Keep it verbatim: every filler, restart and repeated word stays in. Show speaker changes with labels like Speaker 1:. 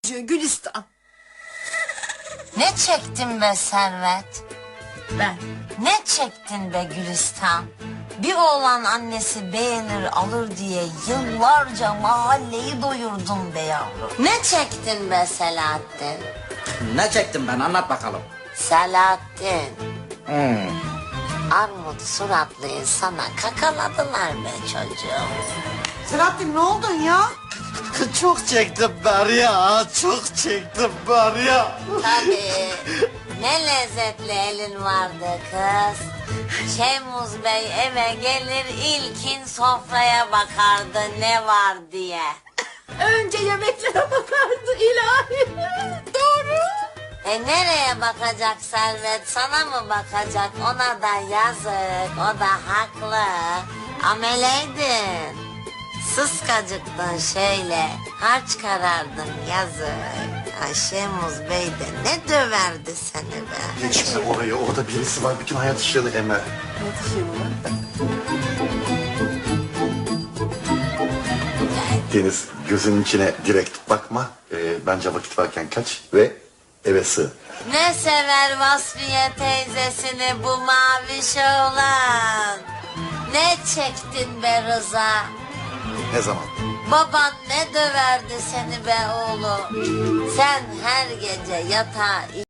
Speaker 1: çocuğu Gülistan.
Speaker 2: Ne çektin be Servet?
Speaker 1: Ben.
Speaker 2: Ne çektin be Gülistan? Bir oğlan annesi beğenir alır diye yıllarca mahalleyi doyurdun be yavrum. Ne çektin be Selahattin?
Speaker 3: Ne çektim ben, anlat bakalım.
Speaker 2: Selahattin.
Speaker 3: Hmm.
Speaker 2: Armut suratlı insana kakaladılar be çocuğum.
Speaker 1: Selahattin ne oldun ya?
Speaker 4: Çok çektim ben ya, çok çektim ben ya.
Speaker 2: Tabii. Ne lezzetli elin vardı kız. Şemuz Bey eve gelir ilkin sofraya bakardı ne var diye.
Speaker 1: Önce yemeklere bakardı ilahi. Doğru.
Speaker 2: E nereye bakacak Servet? Sana mı bakacak? Ona da yazık. O da haklı. Ameleydin. Sıskacıktın şöyle. Harç karardın yazık. Ay Şemuz Bey de ne döverdi seni be.
Speaker 4: Geçme oraya, orada birisi var, bütün hayat ışığını emer. Deniz, gözünün içine direkt bakma. Ee, bence vakit varken kaç ve eve sığ.
Speaker 2: Ne sever Vasfiye teyzesini bu maviş oğlan. Ne çektin be Rıza.
Speaker 4: Ne zaman?
Speaker 2: Baban ne döverdi seni be oğlum. Sen her gece yatağa